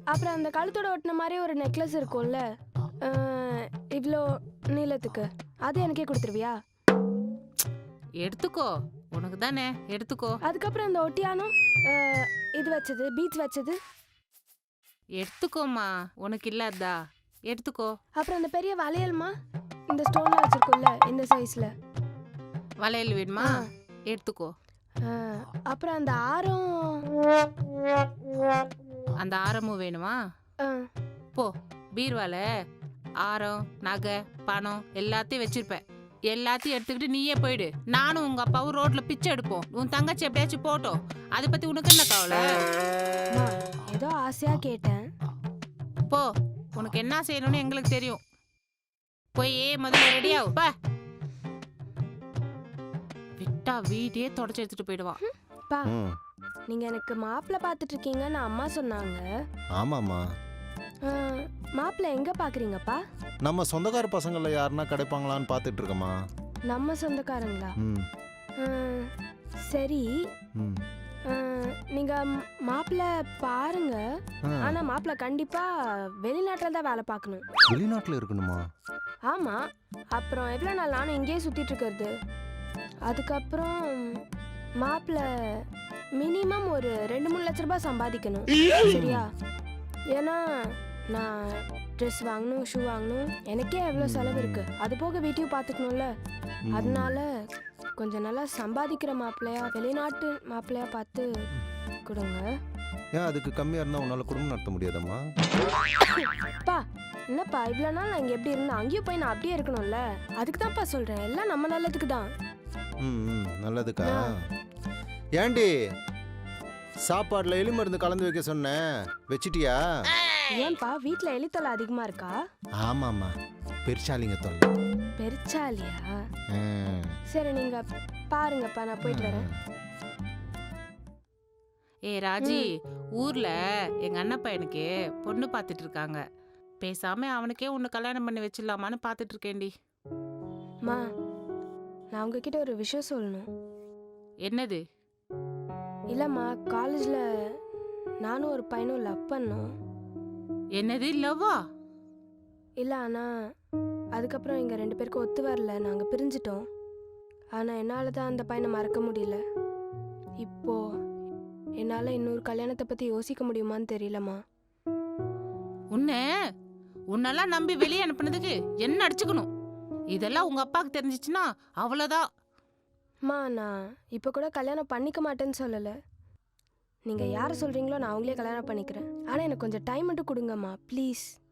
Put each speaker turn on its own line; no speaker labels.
அப்புறம் அந்த கழுத்தோட ஒட்டின மாதிரி ஒரு நெக்லஸ் இருக்கும்ல, இவ்வளோ நீளத்துக்கு, அது எனக்கே கொடுத்துருவியா?
எடுத்துக்கோ, உனக்கு தானே, எடுத்துக்கோ.
அதுக்கப்புறம் அந்த ஒட்டியானம், இது வச்சது, பீச் வச்சது,
எடுத்துக்கோமா, உனக்கு இல்லாததா? எடுத்துக்கோ.
அப்புறம் அந்த பெரிய வளையல்மா, இந்த ஸ்டோன்ல வச்சிருக்கோம்ல, இந்த சைஸ்ல.
வளையல் வேணுமா? எடுத்துக்கோ.
அப்புறம் அந்த ஆரம்,
அந்த ஆரமும் வேணுமா? போ, பீர்வால ஆரம், நகை, பணம் எல்லாத்தையும் வச்சிருப்பேன். எல்லாத்தையும் எடுத்துக்கிட்டு நீயே போயிடு. நானும் உங்க அப்பாவும் ரோட்ல பிச்சை எடுப்போம். உன் தங்கச்சி எப்படியாச்சும் போட்டோம். அதை பத்தி உனக்கு என்ன கவலை?
ஏதோ ஆசையா கேட்டேன்.
போ, உனக்கு என்ன செய்யணும்னு எங்களுக்கு தெரியும். போய் முதல்ல ரெடி ஆகு. விட்டா வீட்டையே தொடச்சு எடுத்துட்டு போயிடுவான்.
பா, நீங்க எனக்கு மாப்பிள்ளை பார்த்துட்டு இருக்கீங்கன்னு அம்மா சொன்னாங்க.
ஆமாம்மா.
மாப்பிள்ளை எங்க பாக்குறீங்கப்பா?
நம்ம சொந்தக்கார பசங்கள யாருன்னா கிடைப்பாங்களான்னு பார்த்துட்டு இருக்கோமா.
நம்ம சொந்தக்காரங்களா? சரி, நீங்க மாப்பிள்ளை பாருங்க. ஆனா மாப்பிள்ளை கண்டிப்பா வெளிநாட்டுல தான் வேலை பார்க்கணும்.
வெளிநாட்டுல இருக்கணுமா?
ஆமா, அப்புறம் எவ்வளவு நாள் நானும் இங்கேயே சுத்திட்டு இருக்கிறது. அதுக்கப்புறம் மாப்பிள்ளை மினிமம் ஒரு 2-3 லட்ச ரூபாய் சம்பாதிக்கணும். சரியா? ஏன்னா நான் ட்ரெஸ் வாங்கணும், ஷூ வாங்கணும், எனக்கே எவ்வளோ செலவு இருக்கு. அது போக வீட்டையும் பார்த்துக்கணும்ல. அதனால கொஞ்சம் நல்லா சம்பாதிக்கிற மாப்பிள்ளையா, வெளிநாட்டு மாப்பிள்ளையா பார்த்து கொடுங்க.
ஏன் அதுக்கு கம்மியாக இருந்தால் உன்னால் குடும்பம் நடத்த முடியாதம்மா?
பா, என்னப்பா இவ்வளோ நாள் நான் இங்கே எப்படி இருந்தேன், அங்கேயும் போய் நான் அப்படியே இருக்கணும்ல. அதுக்கு தான்ப்பா சொல்கிறேன், எல்லாம் நம்ம நல்லதுக்கு தான்.
நல்லதுக்கா? ஏண்டி சாப்பாடுல எலி மருந்து கலந்து வைக்க சொன்னேன், வச்சிட்டியா?
ஏன்பா வீட்ல எலி தொல்லை அதிகமா இருக்கா?
ஆமாம்மா, பெருச்சாலிங்க தொல்லை.
பெருச்சாலியா? சரி, நீங்க பாருங்கப்பா, நான் போயிட்டு வரேன்.
ராஜி, ஊர்ல எங்க அண்ணன் பையனுக்கு பொண்ணு பார்த்துட்டு இருக்காங்க. பேசாம அவனுக்கே உன்னை கல்யாணம் பண்ணி வச்சிடலாமான்னு பார்த்துட்டு இருக்கேன்டி.
மா, நான் உங்ககிட்ட ஒரு விஷயம் சொல்லணும்.
என்னது?
இல்லம்மா, காலேஜ்ல நானும் ஒரு பையனும் லவ் பண்ணோம்.
என்னது, லவ்வா?
இல்ல, ஆனா அதுக்கப்புறம் எங்க 2 பேருக்கும் ஒத்து வரல, நாங்க பிரிஞ்சிட்டோம். ஆனா என்னால தான் அந்த பையனை மறக்க முடியல. இப்போ என்னால இன்னொரு கல்யாணத்தை பத்தி யோசிக்க முடியுமான்னு தெரியலம்மா.
உன்னெல்லாம் நம்பி வெளியே அனுப்புனதுக்கு என்ன அடிச்சுக்கணும்? இதெல்லாம் உங்க அப்பாவுக்கு தெரிஞ்சிச்சுன்னா அவ்வளவுதான்.
அம்மா, நான் இப்போ கூட கல்யாணம் பண்ணிக்க மாட்டேன்னு சொல்லலை. நீங்கள் யாரை சொல்கிறீங்களோ நான் அவங்களே கல்யாணம் பண்ணிக்கிறேன். ஆனால் எனக்கு கொஞ்சம் டைம் மட்டும் கொடுங்கம்மா, ப்ளீஸ்.